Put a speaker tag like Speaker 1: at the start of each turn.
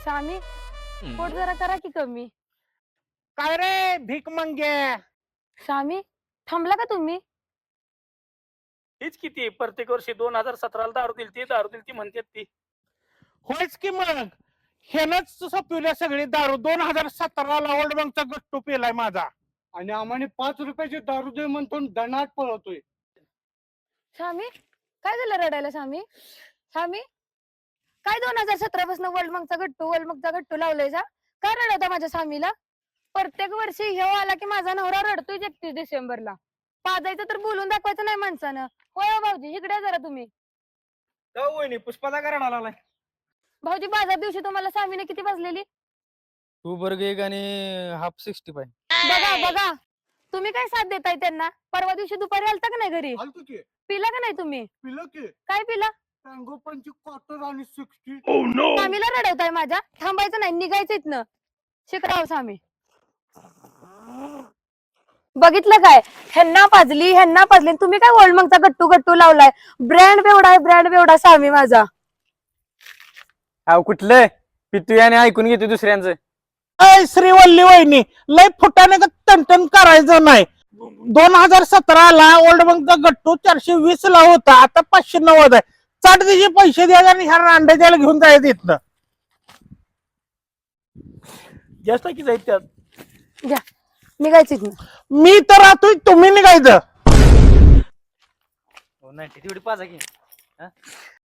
Speaker 1: स्वामी पोट जरा करा की कमी.
Speaker 2: काय रे भीक मंगे?
Speaker 1: स्वामी थांबला का तुम्ही?
Speaker 3: हीच किती प्रत्येक वर्षी 2017ला दारू दिलती म्हणतात ती.
Speaker 2: होयच की मग हेनच सपिवल्या सगळी दारू. 2017ला ओल्ड बँकचा गट्टू पेलाय माझा.
Speaker 4: आणि आम्हाला 5 रुपयाची दारू दे म्हणतो दणाट पळवतोय.
Speaker 1: स्वामी काय झालं रडायला स्वामी? स्वामी काय 2017 पासून वर्ल्ड मगचा गट्टू लावलाय जा? काय रडवता माझ्या स्वामीला? प्रत्येक वर्षी ह्यो आला की माझा नवरा रडतोय 31 डिसेंबरला. पाजायचं तर बोलून दाखवायचं नाही माणसानं. होय हो भाऊजी इकडे जरा तुम्ही.
Speaker 3: वहिनी पुष्पाचा कारण आलाय.
Speaker 1: भाऊजी बाजार दिवशी तुम्हाला स्वामीने किती वाजलेली?
Speaker 5: 2 बर्गर एक आणि हाफ 65.
Speaker 1: बघा बघा तुम्ही काय साथ देताय त्यांना? परवा दिवशी दुपारी आलता का नाही घरी?
Speaker 4: आलतो की
Speaker 1: पिला का नाही तुम्ही?
Speaker 4: पिलं की
Speaker 1: काय पिला?
Speaker 4: टँगो पंची क्वार्टर आणि 60.
Speaker 1: स्वामीला रडवताय माझ्या? थांबायचं नाही निघायचं इथनं. शिकराव स्वामी. बघितलं काय ह्यांना पाजली तुम्ही काय वर्ल्ड मगचा गट्टू लावलाय. ब्रँड बेवडा स्वामी माझा.
Speaker 5: अहो कुठलं पितू आणि ऐकून घेतो दुसऱ्यांचं.
Speaker 2: अय श्रीवल्ली वहिनी लय फुटाने टनटन करायचं नाही. 2017ला ओल्ड बँकचा गट्टू 420 ला होता. आता 590 आहे. चाट त्याचे पैसे द्यायचे आणि ह्या रांडे द्यायला घेऊन जायचं इथनं.
Speaker 3: जास्त की जाईल त्यात.
Speaker 1: घ्या निघायचं इथनं.
Speaker 2: मी तर राहतोय तुम्ही निघायचं.
Speaker 5: हो नाही तेवढी पाजा की